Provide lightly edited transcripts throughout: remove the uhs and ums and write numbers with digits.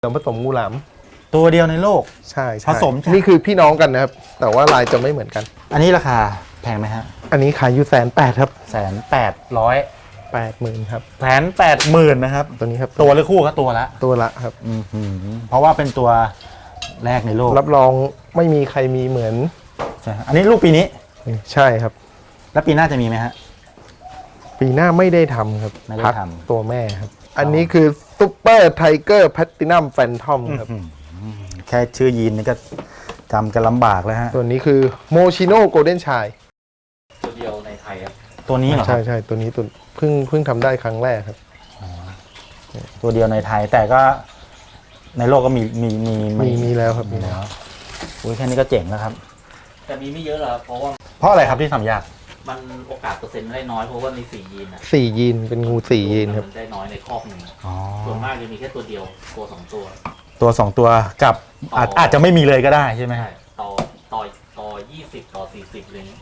เหลือมผสมงูหลามตัวเดียวในโลกใช่ผสมนี่คือพี่น้องกันนะครับแต่ว่าลายจะไม่เหมือนกันอันนี้ราคาแพงไหมฮะอันนี้ขายอยู่180,000ครับ 180,000 ครับ 180,000นะครับตัวนี้ครับตัวหรือคู่ครับตัวละครับเพราะว่าเป็นตัวแรกในโลกรับรองไม่มีใครมีเหมือนใช่อันนี้ลูกปีนี้ใช่ครับแล้วปีหน้าจะมีไหมฮะปีหน้าไม่ได้ทำครับไม่ได้ทำตัวแม่ครับอันนี้คือซุปเปอร์ไทเกอร์แพลตินัมแฟนทอมครับแค่ชื่อยีนนี่ก็จำกันลำบากแล้วฮะตัวนี้คือโมชิโน่โกลเด้นชายตัวเดียวในไทยครับตัวนี้เหรอใช่ตัวนี้ตัวเพิ่งทำได้ครั้งแรกครับตัวเดียวในไทยแต่ก็ในโลกก็มีแล้วครับมีแล้วอุ้ยแค่นี้ก็เจ๋งแล้วครับแต่มีไม่เยอะหรอกเพราะอะไรครับที่ทำยากมันโอกาสเปอร์เซ็นต์ได้น้อยเพราะว่ามี4 ยีน 4 ยีนเป็นงู4 ยีนครับได้น้อยในครอบหนึ่งส่วนมากจะมีแค่ตัวเดียวตัว2 ตัว 2 ตัวกับอาจจะไม่มีเลยก็ได้ใช่ไหมต่อ20ต่อ40เลย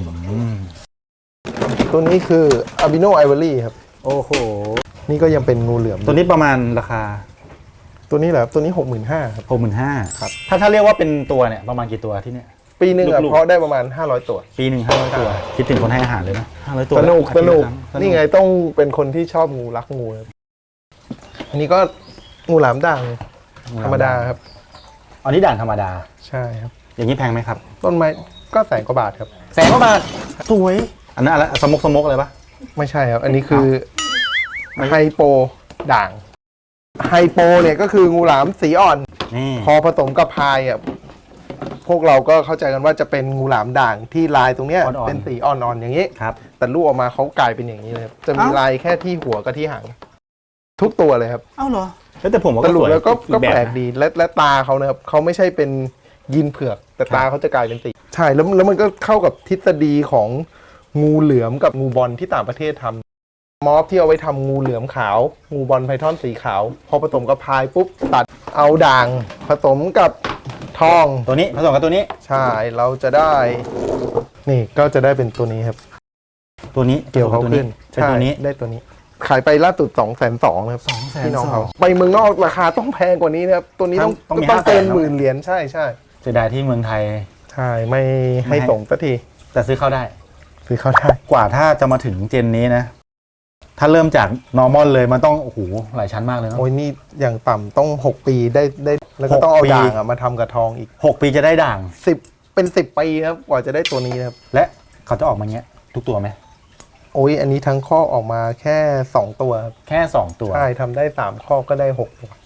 ตัวนี้คืออาบิโนไอวอรี่ครับโอ้โหนี่ก็ยังเป็นงูเหลือมตัวนี้ประมาณราคาตัวนี้แหละตัวนี้65,000ครับ 65,000ครับถ้าเรียกว่าเป็นตัวเนี่ยประมาณกี่ตัวที่เนี่ยปีหนึ่งเพาะได้ประมาณ500ตัวปีหนึ่ง500ตัวคิดถึงคนให้อาหารเลยนะ500ตัวสนุกนี่ไงต้องเป็นคนที่ชอบงูรักงูอันนี้ก็งูหลามด่างธรรมดาครับอันนี้ด่างธรรมดาใช่ครับอย่างนี้แพงไหมครับต้นไม้ก็100,000 กว่าบาทครับ 100,000 กว่าบาทสวยอันนั้นอะไรสมกอะไรปะไม่ใช่ครับอันนี้คือไฮโปด่างไฮโปเนี่ยก็คืองูหลามสีอ่อนพอผสมกับพายอ่ะพวกเราก็เข้าใจกันว่าจะเป็นงูหลามด่างที่ลายตรงเนี้ยเป็นสีอ่อนๆอย่างนี้ครับแต่ลูกออกมาเขากลายเป็นอย่างนี้เลยจะมีลายแค่ที่หัวกับที่หางทุกตัวเลยครับเอ้าเหรอแต่ผมว่าก็สวยแล้วก็แปลกดีและตาเขานะครับเขาไม่ใช่เป็นยีนเผือกแต่ตาเขาจะกลายเป็นสีใช่แล้วมันก็เข้ากับทฤษฎีของงูเหลือมกับงูบอลที่ต่างประเทศทำมอฟที่เอาไว้ทำงูเหลือมขาวงูบอลไพทอนสีขาวพอผสมกับพายปุ๊บตัดเอาด่างผสมกับทองตัวนี้ผสมกับตัวนี้ใช่เราจะได้นี่ก็จะได้เป็นตัวนี้ครับตัวนี้เกี่ยวเขาขึ้นใช่ตัวนี้ได้ตัวนี้ขายไปล่าสุด220,000ครับพี่น้องเขาไปเมืองนอกราคาต้องแพงกว่านี้นะครับตัวนี้ต้องเกิน10,000 เหรียญใช่เสียดายที่เมืองไทยใช่ไม่ให้ส่งสักทีแต่ซื้อเข้าได้กว่าถ้าจะมาถึงเจนนี้นะถ้าเริ่มจาก normal เลยมันต้องโอ้โหหลายชั้นมากเลยเนาะโอ้ยนี่อย่างต่ำต้อง6 ปีได้แล้วก็ต้องเอาด่างมาทำกับทองอีก 6 ปีจะได้ด่างเป็น10 ปีครับกว่าจะได้ตัวนี้ครับและเขาจะออกมาเงี้ยทุกตัวไหมโอ้ยอันนี้ทั้งข้อออกมาแค่2 ตัวแค่2 ตัวใช่ทำได้3 ข้อก็ได้6 ตัว